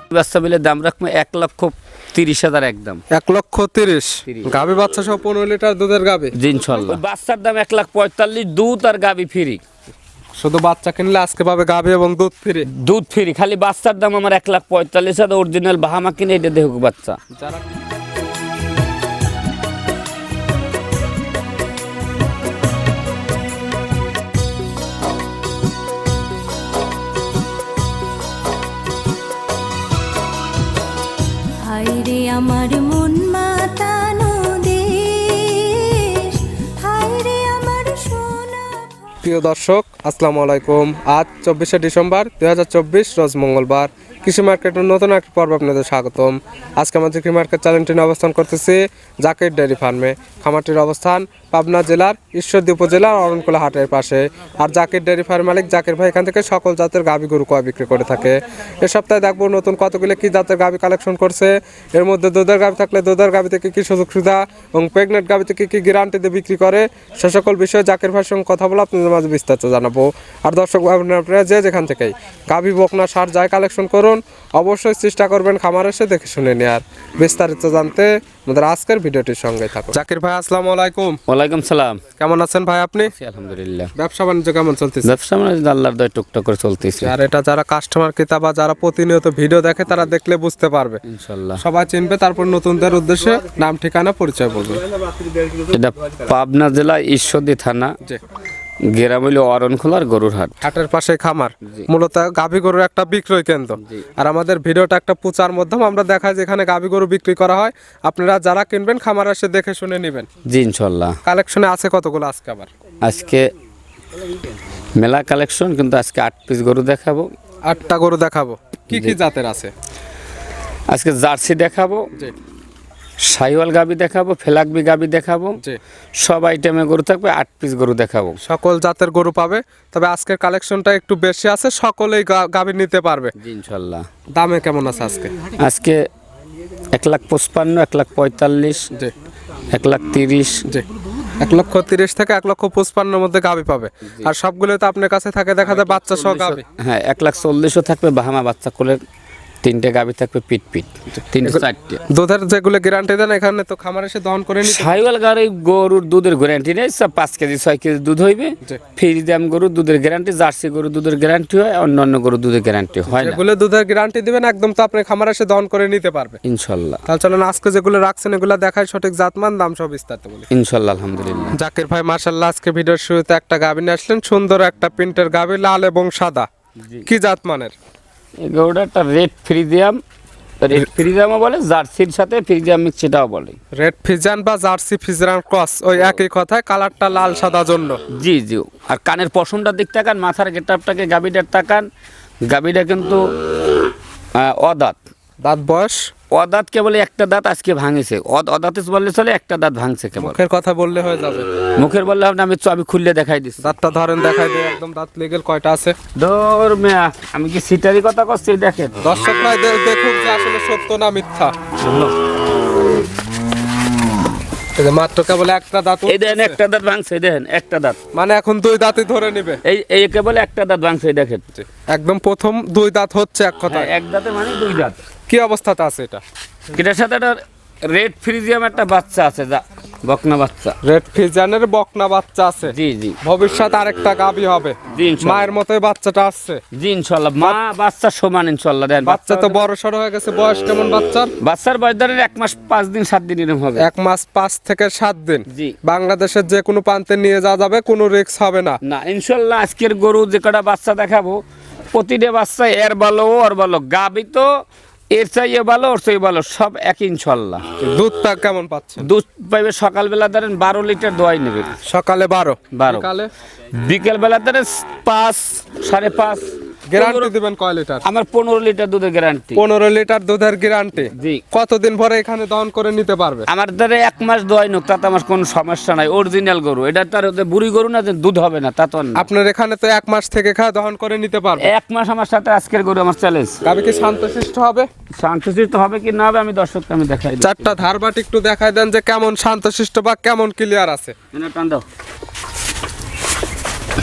বাচ্চা মিলে দাম রাখবো 1,30,000 একদম। 1,30,000 গাভী বাচ্চা সহ 15 লিটার দুধের গাভী। জি ইনশাল্লাহ। বাচ্চার দাম 1,45,000, দুধ আর গাভী ফ্রি। শুধু বাচ্চা কিনলে আজকে পাবে গাভী এবং দুধ ফ্রি। দুধ ফ্রি, খালি বাচ্চার দাম আমার 1,45,000। অরিজিনাল বাহামা কিনে এটা দেখুক বাচ্চা। যারা হায়রে আমার মন মাতানো দেশ, হায়রে আমার সোনা। প্রিয় দর্শক আসসালামু আলাইকুম। আজ 24শে ডিসেম্বর 2024 রোজ মঙ্গলবার। কৃষি মার্কেটের নতুন একটা পর্ব আপনাদের স্বাগতম। আজকে আমাদের কৃষি মার্কেট চ্যানেলটি নিয়ে অবস্থান করতেছি জাকির ডেয়ারি ফার্মে। খামারটির অবস্থান পাবনা জেলার ঈশ্বরদী উপজেলার অরণকুলা হাটের পাশে। আর জাকির ডেয়ারি ফার্ম মালিক জাকির ভাই এখান থেকে সকল জাতের গাভী গরু কয় বিক্রি করে থাকে। এ সপ্তাহে দেখবো নতুন কতগুলো কি জাতের গাভী কালেকশন করছে। এর মধ্যে দুধের গাভী থাকলে দুধের গাভী থেকে কি সুযোগ সুবিধা এবং প্রেগনেন্ট গাভী থেকে কি গ্যারান্টি দিয়ে বিক্রি করে, সে সকল বিষয়ে জাকির ভাইয়ের সঙ্গে কথা বলে আপনাদের মাঝে বিস্তারিত জানাবো। আর দর্শক আপনারা যে যেখান থেকেই গাভী বকনা সার যায় কালেকশন করুন, অবশ্যই চেষ্টা করবেন খামার এসে দেখে শুনে নেওয়ার। বিস্তারিত জানতে আমাদের আজকের ভিডিওটির সঙ্গে থাকুন। জাকির ভাই আসসালামু আলাইকুম। ওয়ালাইকুম সালাম। কেমন আছেন ভাই আপনি? আলহামদুলিল্লাহ। ব্যবসা বাণিজ্য কেমন চলতেছে? ব্যবসা মানে আল্লাহর দয়ায় টুকটাক করে চলতেছে। আর এটা যারা কাস্টমার ক্রেতা বা যারা প্রতিনিয়ত ভিডিও দেখে তারা দেখলে বুঝতে পারবে, ইনশাল্লাহ সবাই চিনবে। তারপর নতুনদের উদ্দেশ্যে নাম ঠিকানা পরিচয় বলবে। এটা পাবনা জেলা ঈশ্বরদী থানা, জি। গ্রাম হইল অরণখোলার গরুর হাট। হাটের পাশে খামার, মূলত গাভী গরুর একটা বিক্রয় কেন্দ্র। আর আমাদের ভিডিওটা একটা প্রচার মাধ্যম, আমরা দেখাই যেখানে গাভী গরু বিক্রি করা হয়। আপনারা যারা কিনবেন খামার এসে দেখে শুনে নেবেন। জি ইনশাল্লাহ। কালেকশনে আছে কতগুলো আজকে? আবার আজকে মেলা কালেকশন, কিন্তু আজকে 8 পিস গরু দেখাবো। 8টা গরু দেখাবো। কি কি জাতের আছে? আজকে জার্সি দেখাবো, জি শাহিওয়াল গাবি দেখাবো, ফেলাকবি গাবি দেখাবো। জি। সব আইটেমে গরু থাকবে, 8 পিস গরু দেখাবো। সকল জাতের গরু পাবে, তবে আজকের কালেকশনটা একটু বেশি আছে, সকলেই গাভী নিতে পারবে। জি ইনশাল্লাহ। দামে কেমন আছে আজকে? আজকে 1,55,000, 1,45,000, জি 1,30,000। জি। 1,30,000 থেকে 1,55,000 মধ্যে গাভী পাবে। আর সবগুলো তো আপনার কাছে থাকে দেখা যায় বাচ্চা সহ গাভী। হ্যাঁ 1,40,000 থাকবে বাহামা বাচ্চা কোলে, 3টে গাভী থাকবে পিট পিট, 3-4টে। দুধের যেগুলো গ্যারান্টি দেন এখানে তো খামার এসে দহন করে নিতে। শাহিওয়াল গরুর দুধের গ্যারান্টি নেই, সব 5 কেজি 6 কেজি দুধ হইবে। জি। ফ্রিজিয়াম গরু দুধের গ্যারান্টি, জার্সি গরু দুধের গ্যারান্টি হয়, অন্যান্য গরু দুধের গ্যারান্টি হয় না। যেগুলো দুধের গ্যারান্টি দিবেন একদম তো আপনি খামার এসে দহন করে নিতে পারবে ইনশাল্লাহ। তাহলে চলেন আজকে যেগুলো রাখছেন এগুলো দেখায়, সঠিক জাতমান দাম সব বিস্তারিত বলি। ইনশাল্লাহ আলহামদুলিল্লাহ। জাকির ভাই মাশাআল্লাহ আজকে ভিডিওর শুরুতে একটা গাভী নিয়ে আসলেন, সুন্দর একটা প্রিন্টের গাভী, লাল এবং সাদা। কি জাতমানের? এই গরুটা একটা রেড ফ্রিজিয়াম, রেড ফ্রিজিয়ামও বলে, জার্সির সাথে ফ্রিজিয়াম মিক্স সেটাও বলে। রেড ফিজান বা জার্সি ফিজান ক্রস, ওই একই কথায়, কালারটা লাল সাদা জন্য। জি জি। আর কানের পশমটার দিক তাকান, মাথার গেটআপটাকে গাবিটার তাকান। গাবিটা কিন্তু অদাঁত। দাঁত বয়স? অদাঁত কেবল একটা দাঁত আজকে ভাঙেছে। অদাঁতে বললে চলে, একটা দাঁত ভাঙছে কেবল। মুখের কথা বললে হয়ে যাবে? মুখের বললে হবে না, আমি খুললে দেখাই দিচ্ছি। দাঁতটা ধরেন দেখাই দিয়ে একদম দাঁত লেগেল কয়টা আছে? ধর মেয়া, আমি কি সিটারি কথা করছি? দেখেন দর্শক ভাই দেখুক যে আসলে সত্য না মিথ্যা। এই যে মাত্র কেবল একটা দাঁত, এই দেখেন একটা দাঁত ভাঙছে, দেখেন একটা দাঁত, মানে এখন দুই দাঁতই ধরে নিবে। এই কেবল একটা দাঁত ভাঙছে, দেখেন একদম প্রথম দুই দাঁত হচ্ছে এক কথা। এক দাঁতে মানে 2 দাঁত। কি অবস্থাতে আছে এটা? এটার সাথে একটা রেড ফ্রিজিয়াম একটা বাচ্চা আছে, বকনা বাচ্চা। রেড ফিজানের বকনা বাচ্চা আছে। জি জি। ভবিষ্যৎ আরেকটা গাভী হবে। জি ইনশাল্লাহ। মায়ের মতোই বাচ্চাটা আসছে। জি ইনশাল্লাহ, মা বাচ্চা সমান ইনশাল্লাহ। দেন বাচ্চা তো বড় সড়ো হয়ে গেছে। বয়স কেমন বাচ্চার? বাচ্চার বয়স ধরেন 1 মাস 5 দিন 7 দিন এরকম হবে। 1 মাস 5 থেকে 7 দিন। জি। বাংলাদেশের যে কোনো প্রান্তে নিয়ে যাওয়া যাবে, কোনো রিস্ক হবে না। না ইনশাল্লাহ। আজকের গরু যে কটা বাচ্চা দেখাবো, প্রতিটা বাচ্চা এর ভালো ওর ভালো। গাবি তো এর চাইয়ে ভালো ওর চাইয়ে ভালো, সব এক ইনশাল্লাহ। দুধটা কেমন পাচ্ছেন? দুধ পাইবে সকালবেলা ধরেন 12 লিটার দোয়াই নেবে। সকালে 12, বিকালে বিকেলবেলা ধরেন 5 5.5। গ্যারান্টি দিবেন কয় লিটার? আমার 15 লিটার দুধের গ্যারান্টি। 15 লিটার দুধের গ্যারান্টি। জি। কতদিন পরে এখানে দহন করে নিতে পারবে? আমার ধরে 1 মাস দোয়াই নোক, তাতে আমার কোনো সমস্যা নাই। অরিজিনাল গরু এটা, তার বুড়ি গরু না যে দুধ হবে না তা তো না। আপনার এখানে তো 1 মাস থেকে খাওয়া দহন করে নিতে পারবে। 1 মাস আমার সাথে আজকের গরু আমার চ্যালেঞ্জ। গাভী কি শান্তশিষ্ট হবে? শান্তশিষ্ট হবে কি না হবে আমি দর্শককে আমি দেখাই দিই। চারটা ধারবাট একটু দেখাই দেন যে কেমন শান্তশিষ্ট বা কেমন ক্লিয়ার আছে। টান দাও।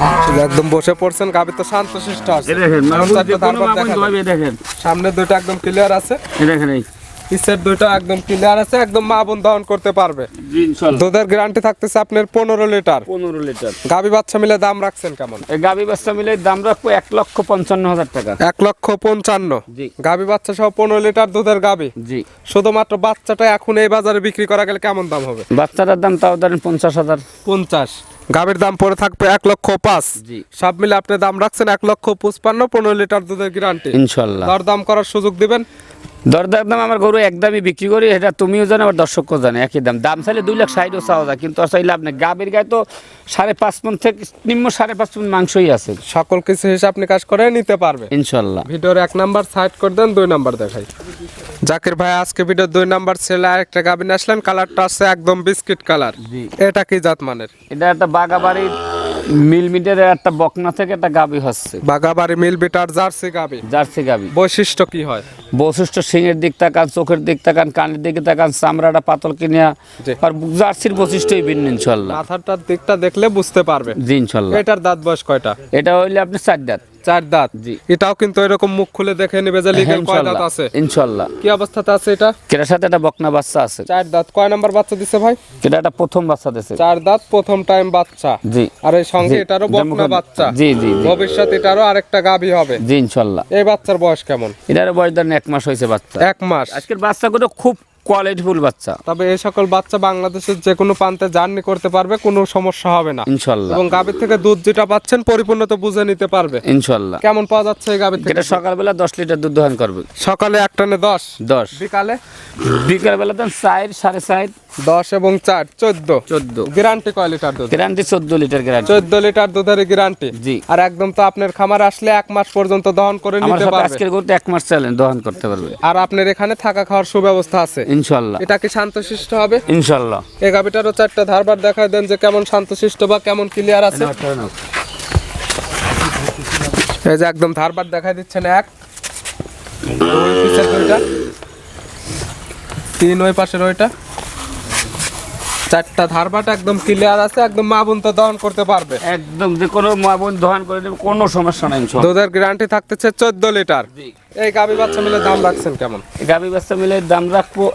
একদম বসে পড়ছেন, গাবি তো শান্তশিষ্ট আছে। এই দেখেন এখন মাহবুব চারটা যে কোনো ধারবার মাহবুব দেখাবেন। ধোয়াবে, দেখেন সামনে দুটো একদম ক্লিয়ার আছে, এই দেখেন এই পিছের দুটো একদম ক্লিয়ার আছে, একদম মা বোন দহন করতে পারবে। জি ইনশাআল্লাহ দুধের গ্যারান্টি থাকতেছে আপনার 15 লিটার। 15 লিটার। গাবি বাচ্চা মিলে দাম রাখছেন কেমন? এই গাবি বাচ্চা মিলে দাম রাখবো 1,55,000 টাকা। 1,55,000। জি গাবি বাচ্চা সহ 15 লিটার দুধের গাবি। জি শুধুমাত্র বাচ্চাটা এখন এই বাজারে বিক্রি করা গেলে কেমন দাম হবে? বাচ্চাটার দাম তাও ধরেন 50,000। 50। গাবির দাম পড়ে থাকবে 1,05,000। জি সব মিলে আপনি দাম রাখছেন 1,55,000, 15 লিটার দুধের গ্যারান্টি। ইনশাআল্লাহ দর দাম করার সুযোগ দিবেন। দরদার দাম আমার গরু একদমই বিক্রি করি, এটা তুমিও জানো আবার দর্শকও জানে, একই দাম। দাম চাইলে 2,60,000 চাওয়া যায়, কিন্তু চাইলে আপনি গাভীর গায়ে তো 5.5 মণ থেকে নিম্ন 5.5 মণ মাংসই আছে সকল কিছু হিসাব নিকাশ করে নিতে পারবে ইনশাআল্লাহ। ভিডিওর 1 নাম্বার সাইড করে দেন, 2 নাম্বার দেখাই। জাকির ভাই আজকে ভিডিওর 2 নাম্বার ছেলে আরেকটা গাভী নিয়ে আসলেন, কালারটা আছে একদম বিস্কিট কালার। জি এটা কি জাত মানের? এটা একটা বাগাবাড়ির মিলমিটের একটা বকনা থেকে একটা গাভী হচ্ছে, বাগাবাড়ি মিল বিটার জার্সি গাভী। জার্সি গাভী। বৈশিষ্ট্য কি হয়? বৈশিষ্ট্য সিংয়ের দিক তাকান, চোখের দিক তাকান, কানের দিকে তাকান, চামড়াটা পাতল কিনিয়া, জি। আর জার্সির বৈশিষ্ট্যই ভিন্ন ইনশাআল্লাহ। মাথাটার দিকটা দেখলে বুঝতে পারবে। জি ইনশাআল্লাহ। এটার দাঁত বয়স কয়টা? এটা হইলে আপনি 4 দাঁত। 4 দাঁত। জি। এটাও কিন্তু এরকম মুখ খুলে দেখে নেবে যে লিগ্যাল কয় দাঁত আছে। ইনশাআল্লাহ। কি অবস্থাতে আছে এটা? কেটার সাথে একটা বকনা বাচ্চা আছে। 4 দাঁত। কয় নাম্বার বাচ্চা দিছে ভাই? এটা একটা প্রথম বাচ্চা দিয়েছে। 4 দাঁত, প্রথম টাইম বাচ্চা। জি আর এই সঙ্গে জি। এটারও বকনা বাচ্চা। জি জি জি ভবিষ্যতে এটারও আরেকটা গাভী হবে। জি ইনশাআল্লাহ। এই বাচ্চার বয়স কেমন? এটার বয়স ধরেন 1 মাস হয়েছে বাচ্চা। 1 মাস। আজকের বাচ্চাগুলো খুব কোয়ালিটিফুল বাচ্চা তবে এই সকল বাচ্চা বাংলাদেশের যে কোনো প্রান্তে জার্নি করতে পারবে, কোনো সমস্যা হবে না। ইনশাআল্লাহ। এবং গাভীর থেকে দুধ যেটা পাচ্ছেন পরিপূর্ণ তো বুঝে নিতে পারবে। ইনশাআল্লাহ। কেমন পাওয়া যাচ্ছে এই গাভীর থেকে? এটা সকালবেলা 10 লিটার দুধ দহন করবে। সকালে এক টানে 10, 10 বিকালে বিকালবেলা দেন 4 4.5 10 এবং 4 14। 14 গ্যারান্টি কয় লিটার দুধ? Guarantee 14 litre guarantee. 14 লিটার দুধের গ্যারান্টি। জি। আর একদম তো আপনার খামারে আসলে 1 মাস পর্যন্ত দহন করে আমার নিতে সাথে পারবে। আজকের গরুতে 1 মাস চালেন দহন করতে পারবে আর আপনার এখানে থাকা খাওয়ার সুব্যবস্থা আছে। ইনশাআল্লাহ। এটা কি শান্তশিষ্ট হবে? ইনশাআল্লাহ। এই গাভীটারও 4টা ধারবার দেখায় দেন যে কেমন শান্তশিষ্ট বা কেমন ক্লিয়ার আছে। এই যে একদম ধারবার দেখাই দিচ্ছেন, 1 2 পিছের দুইটা, 3 ওই পাশের ওইটা, 4টা ধারবাট একদম ক্লিয়ার আছে, একদম মা বোন তো দহন করতে পারবে। একদম যে কোনো মাবন দহন করে দেবে, কোনো সমস্যা নাই ইনশাআল্লাহ। দুধের গ্যারান্টি থাকতেছে 14 লিটার। জি। এই গাভী বাচ্চা মিলে দাম রাখছেন কেমন? গাভী বাচ্চা মিলে দাম রাখবো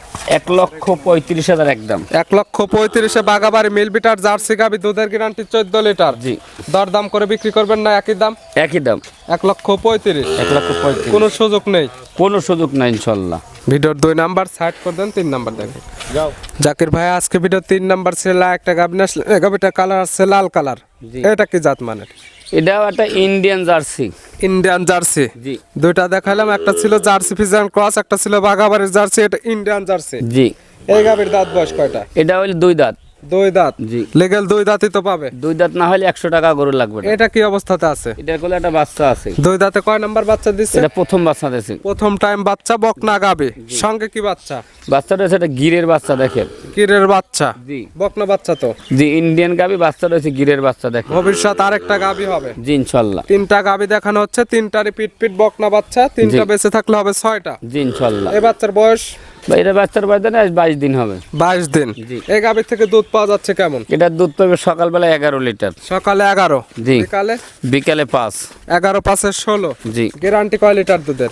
1,35,000 একদম। 1,35,000 বাগাবাড়ি মিল বিটার জার্সি গাভী, দুধের গ্যারান্টি 14 লিটার। জি। দরদাম করে বিক্রি করবেন না একই দাম? একই দাম 1,35,000। 1,35,000। কোনো সুযোগ নেই। কোনো সুযোগ নাই ইনশাআল্লাহ। ভিডিওর 2 নাম্বার সাইড করে দেন, 3 নাম্বার দেখেন। যাও। জাকির ভাই আজকে ভিডিও 3 নাম্বার ছিল একটা গাভী আসলে, গাভীটা কালার আছে লাল কালার। জি। এটা কি জাত মানের? এটাও একটা ইন্ডিয়ান জার্সি। Indian Jersey. জি। দুইটা দেখালাম, একটা ছিল জার্সি ফিজিয়ান ক্রস, একটা ছিল বাগাবাড়ির জার্সি, এটা ইন্ডিয়ান জার্সি। জি। এই গাভীর দাঁত বয়স কয়টা? এটা হইলে 2 দাঁত। 2 দাঁত। জি। লিগ্যাল 2 দাঁতই তো পাবে। 2 দাঁত না হলে 100 টাকা গরু লাগবে না। এটা কি অবস্থাতে আছে? এটার কোলে একটা বাচ্চা আছে। 2 দাঁতে কয় নাম্বার বাচ্চা দিচ্ছে? এটা প্রথম বাচ্চা দিয়েছে। প্রথম টাইম বাচ্চা, বকনা গাভী। সঙ্গে কি বাচ্চা? বাচ্চাটা হচ্ছে একটা গিরের বাচ্চা দেখেন। কিরের বাচ্চা। জি। বকনা বাচ্চা তো। জি ইন্ডিয়ান গাভী, বাচ্চাটা হচ্ছে গিরের বাচ্চা দেখেন। ভবিষ্যৎ আরেকটা গাভী হবে। জি ইনশাআল্লাহ। 3টা গাভী দেখানো হচ্ছে, 3টারই পিট পিট বকনা বাচ্চা, 3টা জি। বেঁচে থাকলে হবে 6টা। জি ইনশাআল্লাহ। এই বাচ্চার বয়স এটা বাচ্চার বয়স দেন 22 দিন হবে। 22 দিন। জি। এই গাভীর থেকে দুধ পাওয়া যাচ্ছে কেমন? এটার দুধ পাবে সকালবেলা 11 লিটার। সকালে 11, জি। বিকালে বিকালে 5। 11 5 16। জি। গ্যারান্টি কয় লিটার দুধের?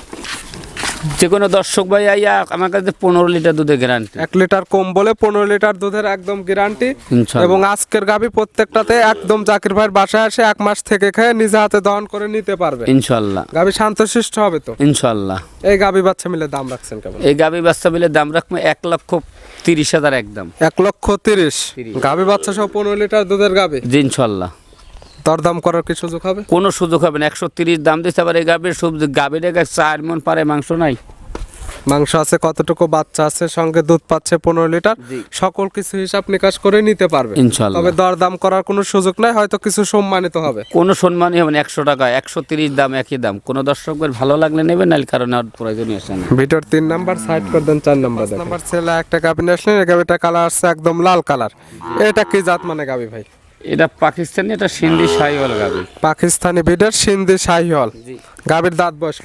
যে কোনো দর্শক ভাই আইয়া আমার কাছে 15 লিটার দুধের গ্যারান্টি। 1 লিটার কম বলে 15 লিটার দুধের একদম গ্যারান্টি। ইনশাআল্লাহ। এবং আজকের গাভী প্রত্যেকটাতে একদম জাকির ভাইয়ের বাসায় এসে 1 মাস থেকে খেয়ে নিজে হাতে দহন করে নিতে পারবে। ইনশাআল্লাহ। গাভী শান্তশিষ্ট হবে তো? ইনশাআল্লাহ। এই গাভী বাচ্চা মিলে দাম রাখছেন কেমন? এই গাভী বাচ্চা মিলে দাম রাখবো 1,30,000 একদম। 1,30,000। গাভী বাচ্চা সহ 15 লিটার দুধের গাভী। জি ইনশাআল্লাহ। দরদাম করার কি সুযোগ হবে? কোনো সুযোগ হবে না। 130 দাম দিচ্ছে, আবার এই গাভীর সবজি গাভীর 4 মণ পারে মাংস নাই। মাংস আছে কতটুকু, বাচ্চা আছে, সঙ্গে দুধ পাচ্ছে 15 লিটার। জি। সকল কিছু হিসাব নিকাশ করে নিতে পারবে ইনশাআল্লাহ। তবে দরদাম করার কোনো সুযোগ নাই, হয়তো কিছু সম্মানিত হবে। কোনো সম্মানই হবে না। 100 টাকা 130 দাম, একই দাম। কোনো দর্শকের ভালো লাগলে নেবে, নাহলে কারণে আর প্রয়োজনই আসে না। ভিডিওর 3 নাম্বার সাইড করে দেন, 4 নাম্বার দেখেন। নাম্বার ছেলে একটা গাভী নিয়ে আসলেন, এই গাভীটা কালার আসছে একদম লাল কালার। এটা কি জাত মানে গাভী ভাই? এটা পাকিস্তানি, এটা সিন্ধি শাহিওয়াল গাভী। পাকিস্তানি বিডার সিন্ধি শাহিওয়াল। জি। গাভীর দাঁত বয়স কয়টা?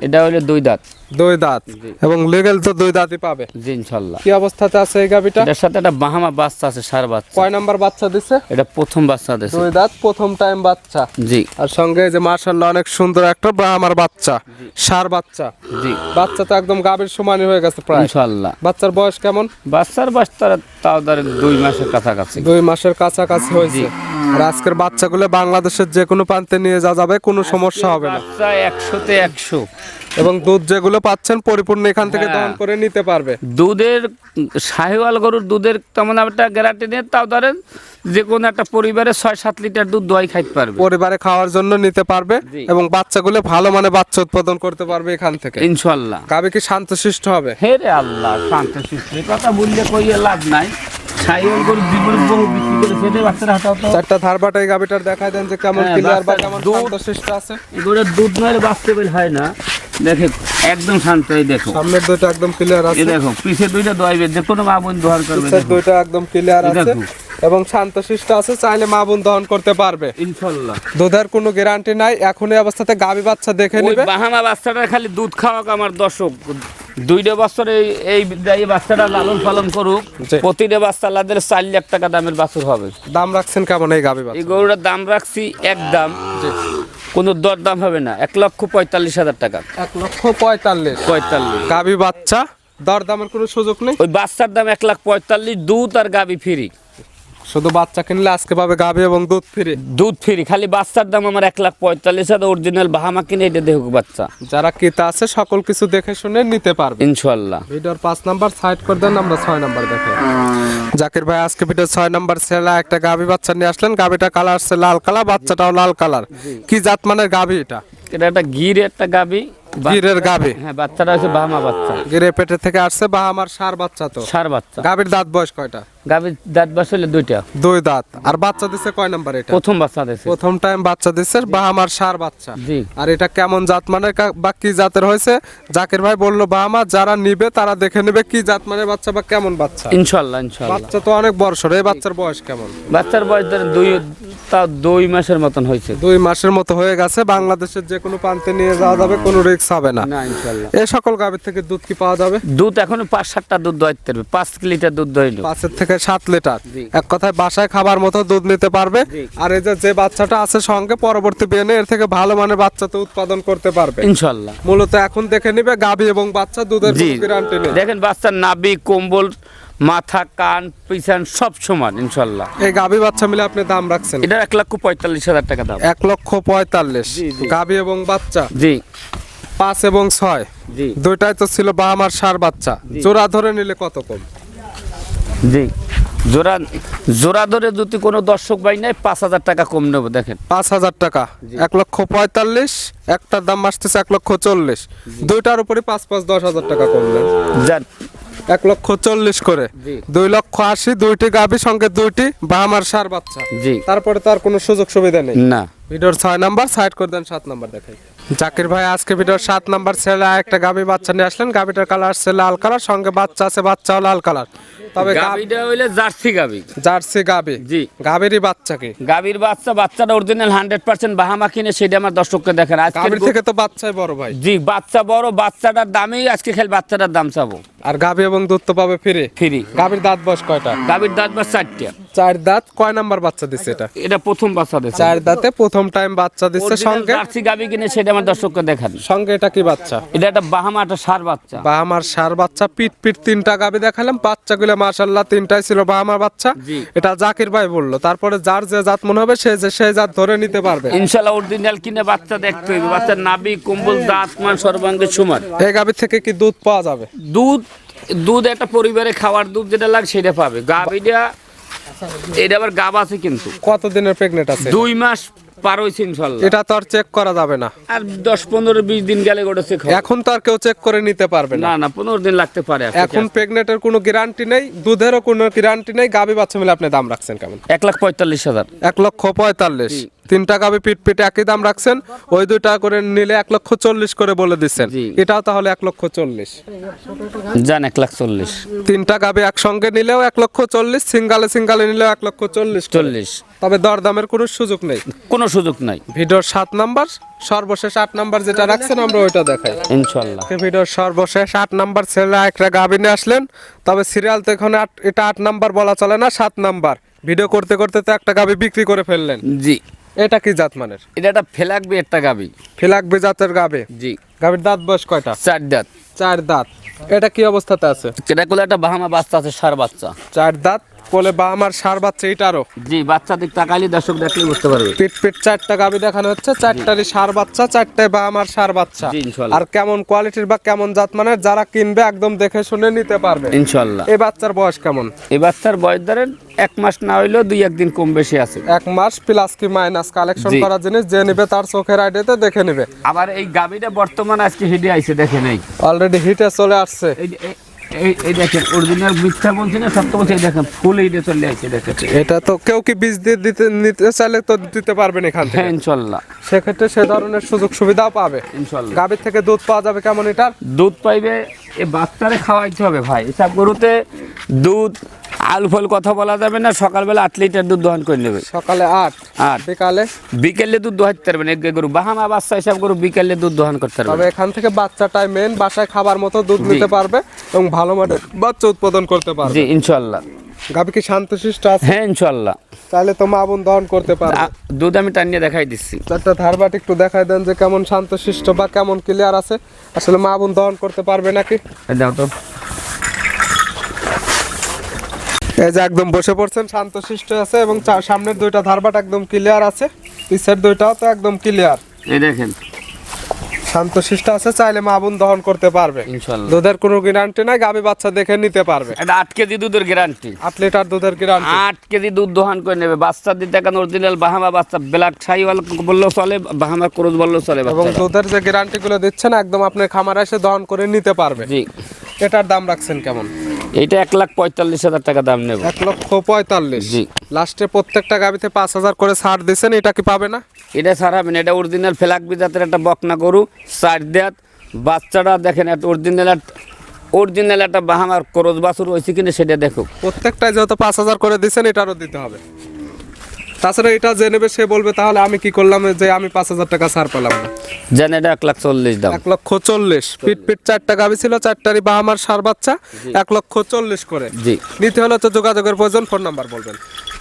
এটা হলো 2 দাঁত। 2 দাঁত এবং লিগ্যাল তো 2 দাঁতই পাবে। জি ইনশাআল্লাহ। কি অবস্থাতে আছে এই গাবিটা? এটার সাথে একটা বাহামা বাচ্চা আছে, সার বাচ্চা। কয় নাম্বার বাচ্চা দিছে? এটা প্রথম বাচ্চা দিয়েছে। 2 দাঁত, প্রথম টাইম বাচ্চা। জি। আর সঙ্গে এই যে মাশাআল্লাহ অনেক সুন্দর একটা আমার বাচ্চা, সার বাচ্চা। জি। বাচ্চা তো একদম গাবির সমানই হয়ে গেছে প্রায়। ইনশাআল্লাহ। বাচ্চার বয়স কেমন? বাচ্চার বয়স তাও ধরেন 2 মাসের কাছাকাছি। 2 মাসের কাছাকাছি হয়েছে। আর আজকের বাচ্চাগুলো বাংলাদেশের যে কোনো প্রান্তে নিয়ে যাওয়া যাবে, কোনো সমস্যা হবে না। বাচ্চা 100-তে 100 এবং দুধ যেগুলো পাচ্ছেন পরিপূর্ণ এখান থেকে হ্যাঁ। দহন করে নিতে পারবে। দুধের শাহিওয়াল গরুর দুধের তেমন একটা গ্যারান্টি নেই, তাও ধরেন যে কোনো একটা পরিবারে 6-7 লিটার দুধ দোয়াই খাইতে পারবে, পরিবারে খাওয়ার জন্য নিতে পারবে। জি। এবং বাচ্চাগুলো ভালো মানে বাচ্চা উৎপাদন করতে পারবে এখান থেকে। ইনশাআল্লাহ। গাবি কি শান্তশিষ্ট হবে? হে রে আল্লাহ, শান্ত শিষ্ট কথা বললে কইয়ে লাভ নাই। শাহিওয়াল গরু জীবন বহু বিক্রি করে ফেলে বাচ্চারা হাঁটাও তো। চারটা ধারবাটা এই গাবিটার দেখায় দেন যে কেমন হ্যাঁ, ক্লিয়ার বা বাচ্চার কেমন দুধ। শান্তশিষ্ট আছে। এগুলোর দুধ নয় বাস্তবে হয় না। দেখে একদম শান্ত। এই দেখো, সামনের দুইটা একদম ক্লিয়ার এই আছে, দেখো পিছে দুইটা দোয়াইবে, যে কোনো মা বোন দোয়ার করবে। পিছের দেখো। দুইটা একদম ক্লিয়ার এই আছে দেখো। এবং শান্তশিষ্ট আছে, চাইলে মা বোন দহন করতে পারবে। ইনশাআল্লাহ। দুধের কোনো গ্যারান্টি নাই। এখন এই অবস্থাতে গাবি বাচ্চা দেখে ওই নিবে। বাহামা বাচ্চাটা খালি দুধ খাওয়াক আমার দর্শক। 2 বছর এই বাচ্চাটা লালন পালন করুক। জি। প্রতিটা বাচ্চা আলাদা 4 লাখ টাকা দামের বাছুর হবে। দাম রাখছেন কেমন এই গাবি এই বাচ্চা? গরুটার দাম রাখছি একদম, কোনো দর দাম হবে না, 1,45,000 টাকা। 1,45,000 45। গাবি বাচ্চা, দর দামের কোনো সুযোগ নেই। ওই বাচ্চার দাম 1,45,000, দুধ আর গাবি ফ্রি। শুধু বাচ্চা কিনলে আজকে পাবে গাবি এবং দুধ ফ্রি। দুধ ফ্রি, খালি বাচ্চার দাম আমার 1,45,000। অরিজিনাল বাহামা কিনে এটা দেখুক বাচ্চা। যারা ক্রেতা আছে সকল কিছু দেখে শুনে নিতে পারবে। ইনশাআল্লাহ। ভিডিওর 5 নাম্বার সাইড করে দেন, আমরা 6 নাম্বার দেখাই। জাকির ভাই আজকে ভিডিও 6 নাম্বার ছেলে একটা গাবি বাচ্চা নিয়ে আসলেন। গাবিটা কালার আছে লাল কালার, বাচ্চাটাও লাল কালার। কি জাত মানের গাবি এটা? এটা একটা গির একটা গাবি। গিরের গাবি। হ্যাঁ, বাচ্চাটা হচ্ছে বাহামা বাচ্চা, গিরে পেটে থেকে আসছে বা আমার সার বাচ্চা তো। সার বাচ্চা। গাবির দাঁত বয়স কয়টা? গাবির দাঁত বসলে 2টা। 2 দাঁত। আর বাচ্চা দিছে কয় নাম্বার এটা? প্রথম বাচ্চা দিয়েছে। প্রথম টাইম বাচ্চা দিছে বা আমার সার বাচ্চা। জি। আর এটা কেমন জাত মানের বা কি জাতের হয়েছে? জাকির ভাই বললো বা আমার যারা নিবে তারা দেখে নেবে কি জাত মানের বাচ্চা বা কেমন বাচ্চা। ইনশাআল্লাহ। ইনশাআল্লাহ। বাচ্চা তো অনেক বর্ষর। এই বাচ্চার বয়স কেমন? বাচ্চার বয়স ধরেন 2 মাসের মতন হয়েছে। 2 মাসের মতো হয়ে গেছে। বাংলাদেশের যে কোনো প্রান্তে নিয়ে যাওয়া যাবে, কোনো রিস্ক হবে না। না ইনশাআল্লাহ। এই সকল গাভীর থেকে দুধ কি পাওয়া যাবে? দুধ এখনো 5-7টা দুধ দোয়াইতে পারবে, 5 লিটার দুধ দইল। 5 থেকে 7 লিটার। জি। এক কথায় বাসায় খাবার মতো দুধ নিতে পারবে। জি। আর এই যে বাচ্চাটা আছে সঙ্গে, পরবর্তী বিয়ে এর থেকে ভালো মানের বাচ্চা তো উৎপাদন করতে পারবে ইনশাআল্লাহ। মূলত এখন দেখে নিবে গাভী এবং বাচ্চা, দুধের জি। কোনো গ্যারান্টি নেই। দেখেন বাচ্চার নাভি, কম্বল, মাথা, কান, পিছন সব সমান ইনশাআল্লাহ। এই গাভী বাচ্চা মিলে আপনি দাম রাখছেন এটা 1,45,000 টাকা দাম। 1,45,000। জি, জি। গাভী এবং বাচ্চা জি 5 এবং 6 জি দুইটাই তো ছিল বা আমার সার বাচ্চা। জি। জোড়া ধরে নিলে কত কম? জি। জোড়া ধরে যদি কোনো দর্শক ভাই নাই 5,000 টাকা কম নেবো। দেখেন 5,000 টাকা। 1,45,000। একটার দাম আসতেছে 1,40,000। দুইটার উপরে 5,10,000 টাকা কমলেন। যান 1,40,000 করে। জি। 2,80,000 দুইটি গাভী সঙ্গে দুইটি বা আমার সার বাচ্চা। জি। তারপরে তার কোনো সুযোগ সুবিধা নেই। না। ভিডিওর 6 নাম্বার সাইড করে দেন, 7 নাম্বার দেখাই। জাকির ভাই আজকে ভিডিওর 7 নাম্বার ছেলে একটা গাভী বাচ্চা নিয়ে আসলেন। গাভীটার কালার আছে লাল কালার, সঙ্গে বাচ্চা আছে, বাচ্চাও লাল কালার। তবে গাবিটা হইলে জার্সি গাবি। জার্সি গাভী। জি। গাভীরই বাচ্চা কি? গাবির বাচ্চাটা অরিজিনাল 100% বাহামা কিনে সেটা আমার দর্শককে দেখেন। আজকে গাভীর থেকে তো বাচ্চাই বড় ভাই। জি, বাচ্চা বড়, বাচ্চাটার দামেই আজকে খালি বাচ্চাটার দাম চাবো। আর গাভী এবং দুধ তো পাবে ফ্রি। ফ্রি। গাভীর দাঁত বয়স কয়টা? গাবির দাঁত বা 4টা। 4 দাঁত। কয় নাম্বার বাচ্চা দিছে এটা? এটা প্রথম বাচ্চা দিচ্ছে। 4 দাঁতে প্রথম টাইম বাচ্চা দিচ্ছে। সঙ্গে জার্সি গাবি কিনে সেটা আমার দর্শককে দেখান। সঙ্গে এটা কি বাচ্চা? এটা একটা বাহামা, একটা সার বাচ্চা। বা আমার সার বাচ্চা। পিট 3টা গাভী দেখালাম, বাচ্চাগুলো মাশাআল্লাহ 3টাই ছিল বা আমার বাচ্চা। জি। এটা জাকির ভাই বললো। তারপরে যার যে জাত মনে হবে সেই জাত ধরে নিতে পারবে। ইনশাআল্লাহ অরিজিনাল কিনে বাচ্চা দেখতে হইবে। বাচ্চার নাভি, কম্বল, দাঁত, মান সর্বাঙ্গে সমান। এই গাভী থেকে কি দুধ পাওয়া যাবে? দুধ একটা পরিবারে খাওয়ার দুধ যেটা লাগে সেটা পাবে। গাবিটা এটা আবার গাব আছে কিন্তু কত দিনের প্রেগনেন্ট আছে? 2 মাস পার হইছে ইনশাআল্লাহ। এটা তো আর চেক করা যাবে না। আর 10-15-20 দিন গেলে গোটা চেক হবে। এখন তো আর কেউ চেক করে নিতে পারবে না। না 15 দিন লাগতে পারে। এখন প্রেগনেন্টের কোনো গ্যারান্টি নেই, দুধেরও কোনো গ্যারান্টি নেই। গাভী বাচ্চা মিলে আপনি দাম রাখছেন কেমন? 1,45,000। 1,45,000। তিনটা গাবি পিট পিটে একই দাম রাখছেন, ওই দুইটা করে নিলে 1,40,000 করে বলে দিচ্ছেন। জি। এটাও তাহলে 1,40,000। যান 1,40,000 তিনটা গাবি একসঙ্গে নিলেও 1,40,000, সিঙ্গালে নিলেও 1,40,000 40 তবে দরদামের কোনো সুযোগ নেই। কোনো সুযোগ নাই ভিডিওর 7 নাম্বার, সর্বশেষ 8 নাম্বার যেটা রাখছেন আমরা ওইটা দেখাই। ইনশাল্লাহ। ভিডিওর সর্বশেষ 8 নাম্বার ছেলে একটা গাবি নিয়ে আসলেন, তবে সিরিয়াল তো এখানে এটা 8 নাম্বার বলা চলে না, 7 নাম্বার। ভিডিও করতে করতে তো একটা গাবি বিক্রি করে ফেললেন। জি, এটা কি জাত মানের? এটা একটা ফেলাকবি একটা গাবি। ফিলাকবি জাতের গাবি। জি, গাবির দাঁত বয়স কয়টা? 4 দাঁত। 4 দাঁত। এটা কি অবস্থাতে আছে? এটা কোলে একটা বাহামা বাচ্চা আছে, সার বাচ্চা। 4 দাঁত, কোলে বা আমার সার বাচ্চা এটারও। জি, বাচ্চা দিক তাকাইলে দর্শক দেখলে বুঝতে পারবে। পিট পিট 4টা গাবি দেখানো হচ্ছে, 4টারই সার বাচ্চা, 4টায় বা আমার সার বাচ্চা। জি, ইনশাল্লাহ। আর কেমন কোয়ালিটির বা কেমন জাত মানের যারা কিনবে একদম দেখে শুনে নিতে পারবে। ইনশাল্লাহ। এই বাচ্চার বয়স কেমন? এই বাচ্চার বয়স ধরেন 1 মাস না হইলেও 2-1 দিন কম বেশি আছে। 1 মাস প্লাস কি মাইনাস কালেকশন জি। করা জিনিস যে নিবে তার চোখের আইডিয়াতে দেখে নিবে। আবার এই গাবিটা বর্তমানে আজকে হিডে আইছে, দেখে নেই। অলরেডি হিটে চলে আসছে। এই দেখেন, অরিজিনাল মিথ্যা বলছি না, সত্য বলছি। এই দেখেন ফুল হিডে চলে আইছে, দেখেন। এটা তো কেউ কি বীজ দিয়ে নিতে চাইলে তো দিতে পারবেন এখান থেকে। হ্যাঁ, ইনশাল্লাহ। সেক্ষেত্রে সে ধরনের সুযোগ সুবিধাও পাবে। ইনশাল্লাহ। গাভীর থেকে দুধ পাওয়া যাবে কেমন এটার? দুধ পাইবে, এ বাচ্চারে খাওয়াইতে হবে ভাই। এসব গরুতে দুধ আলু ফল কথা বলা যাবে না। সকালবেলা 8 লিটার দুধ দহন করে নেবে। সকালে 8, বিকালে বিকেলে দুধ দোহাইতে পারবেন। এক গরু বাহামা বাচ্চা এসব গরু বিকেলে দুধ দহন করতে তবে পারবে। এখান থেকে বাচ্চাটাই মেন, বাসায় খাবার মতো দুধ নিতে পারবে এবং ভালো মানের বাচ্চা উৎপাদন করতে পারবে। জি, ইনশাল্লাহ। গাভী কি শান্তশিষ্ট আছে? হ্যাঁ, ইনশাল্লাহ। তাহলে তো মা বোন দহন করতে পারবে। দুধ আমি টানিয়ে দেখাই দিচ্ছি। চারটা ধারবাট একটু দেখাই দেন যে কেমন শান্তশিষ্ট বা কেমন ক্লিয়ার আছে, আসলে মা বোন দহন করতে পারবে নাকি। এই দাও তো। এই যে একদম বসে পড়ছেন, শান্তশিষ্ট আছে এবং সামনের দুইটা ধারবাট একদম ক্লিয়ার আছে, পিছের দুইটাও তো একদম ক্লিয়ার। এই দেখেন, শান্তশিষ্ট আছে, চাইলে মা বোন দহন করতে পারবে। ইনশাল্লাহ। দুধের কোনো গ্যারান্টি নাই, গাভী বাচ্চা দেখে নিতে পারবে। এটা 8 কেজি দুধের গ্যারান্টি। 8 লিটার দুধের গ্যারান্টি। 8 কেজি দুধ দহন করে নেবে। বাচ্চা দিতে এখন অরিজিনাল বাহামা বাচ্চা, ব্ল্যাক শাহিওয়াল বললেও চলে, বাহামা ক্রস বললেও চলে। এবং বাচ্চাটা। দুধের যে গ্যারান্টি গুলো দিচ্ছেন একদম আপনার খামারে এসে দহন করে নিতে পারবে। জি, এটার দাম রাখছেন কেমন? এইটা 1,45,000 টাকা দাম নেব। 1,45,000। জি। লাস্টে প্রত্যেকটা গাভীতে 5,000 করে ছাড় দিচ্ছেন, এটা কি পাবে না? এটা ছাড়াবেন। এটা অরিজিনাল ফেলাকবি জাতের একটা বকনা গরু, 4 দাঁত। বাচ্চাটা দেখেন, একটা অরিজিনাল একটা বাহামার ক্রস বাছুর হয়েছে কিনা সেটা দেখো। প্রত্যেকটাই যেহেতু 5,000 করে দিচ্ছেন, এটারও দিতে হবে। তাছাড়া এটা যে নেবে সে বলবে তাহলে আমি কি করলাম যে আমি 5,000 টাকা ছাড় পেলাম না। জান এটা 1,40,000 দাম। 1,40,000। পিট পিট 4টা গাভী ছিল, 4টারই বাহামার সার বাচ্চা, 1,40,000 করে। জি। নিতে হলে তো যোগাযোগের প্রয়োজন। ফোন নাম্বার বলবেন।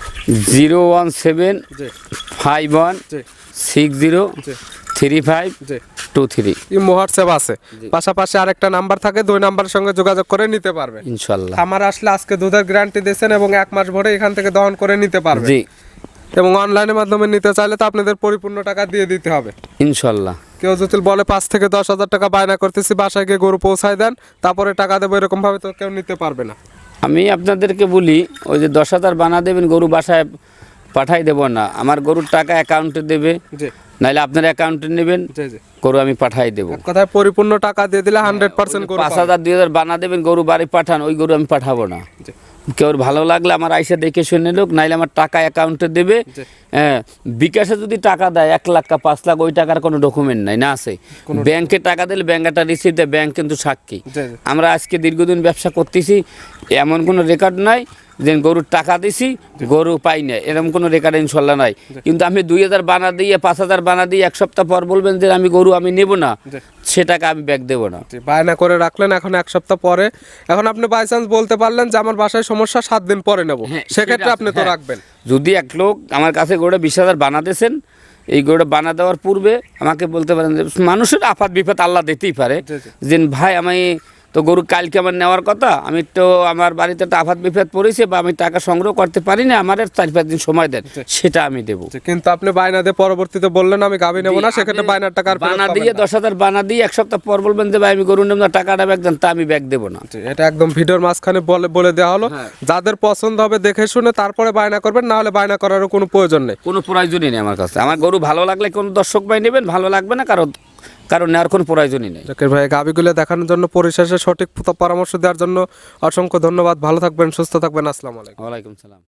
017 জি 51 জি 60 জি 35 জি। 23। ইমো হোয়াটসঅ্যাপ আছে, পাশাপাশি আরেকটা নাম্বার থাকে, 2 নাম্বারের সঙ্গে যোগাযোগ করে নিতে পারবে। ইনশাল্লাহ। খামার আসলে আজকে দুধের গ্যারান্টি দিয়েছেন এবং 1 মাস ভরে এখান থেকে দহন করে নিতে পারবে। জি, এবং অনলাইনের মাধ্যমে নিতে চাইলে তো আপনাদের পরিপূর্ণ টাকা দিয়ে দিতে হবে। ইনশাল্লাহ। কেউ যদি বলে 5 থেকে 10,000 টাকা বায়না করতেছি, বাসায় গিয়ে গরু পৌঁছায় দেন তারপরে টাকা দেবো, এরকম ভাবে তো কেউ নিতে পারবে না। আমি আপনাদেরকে বলি, ওই যে 10,000 বানা দেবেন, গরু বাসায় পাঠাই দেব না। আমার গরুর টাকা অ্যাকাউন্টে দেবে, জি নাহলে আপনার অ্যাকাউন্টে নেবেন, জি জি। গরু আমি পাঠাই দেবো। এক কথায় পরিপূর্ণ টাকা দিয়ে দিলে 100% গরু পাবে। 5,000 2,000 বানা দেবেন, গরু বাড়ি পাঠান, ওই গরু আমি পাঠাবো না। জি। কেউ ভালো লাগলে আমার আইসা দেখে শুনে লোক, নাইলে আমার টাকা অ্যাকাউন্টে দেবে। জি। হ্যাঁ, বিকাশে যদি টাকা দেয় 1 লাখ বা 5 লাখ, ওই টাকার কোনো ডকুমেন্ট নাই, না আছে। ব্যাংকে টাকা দিলে ব্যাংক একটা রিসিপ্ট দেয়, ব্যাংক কিন্তু সাক্ষী। জি জি। আমরা আজকে দীর্ঘদিন ব্যবসা করতেছি, এমন কোনো রেকর্ড নাই যে গরুর টাকা দিছি গরু পাই না, এরকম কোনো রেকর্ড ইনশাল্লাহ নাই। কিন্তু আমি 2,000 বানা দিয়ে 5,000 বানা দিয়ে 1 সপ্তাহ পর বলবেন যে আমি গরু আমি নেব না, সে টাকা আমি ব্যাক দেবো না। জি, বায়না করে রাখলেন, এখন 1 সপ্তাহ পরে, এখন আপনি বাই চান্স বলতে পারলেন যে আমার বাসায় সমস্যা, 7 দিন পরে নেব, হ্যাঁ, সেক্ষেত্রে সেটা আপনি তো হ্যাঁ। রাখবেন। যদি এক লোক আমার কাছে গরুটা 20,000 বানাতেছেন, এই গরুটা বানা দেওয়ার পূর্বে আমাকে বলতে পারেন যে মানুষের আফাত বিপদ আল্লাহ দিতেই পারে, জি, জি। যে ভাই আমি তো গরু কালকে আমার নেওয়ার কথা, আমি তো আমার বাড়িতে একটা আফাত বিপদ পড়েছে বা আমি টাকা সংগ্রহ করতে পারি না, আমার 4-5 দিন সময় দেন, সেটা আমি দেবো। জি, কিন্তু আপনি বায়না দিয়ে পরবর্তীতে বললেন আমি গাভী নেব না, সেক্ষেত্রে বায়নার টাকা আর ফেরত বানা পাবেন দিয়ে না। 10,000 বানা দিয়ে 1 সপ্তাহ পর বলবেন যে ভাই আমি গরু নেব না, টাকাটা ব্যাক দেন, তা আমি ব্যাক দেবো না। জি, এটা একদম ভিডিওর মাঝখানে বলে দেওয়া হলো। যাদের পছন্দ হবে দেখে শুনে তারপরে বায়না করবেন, না হলে বায়না করারও কোনো প্রয়োজন নেই। কোনো প্রয়োজনই নেই আমার কাছে। আমার গরু ভালো লাগলে কোনো দর্শক ভাই নেবেন, ভালো লাগবে না কারণ নেওয়ার কোনো প্রয়োজনই নেই। জাকির ভাই, গাভীগুলো দেখানোর জন্য, পরিশেষে সঠিক পরামর্শ দেওয়ার জন্য অসংখ্য ধন্যবাদ। ভালো থাকবেন, সুস্থ থাকবেন। আসসালামু আলাইকুম। ওয়ালাইকুম সালাম।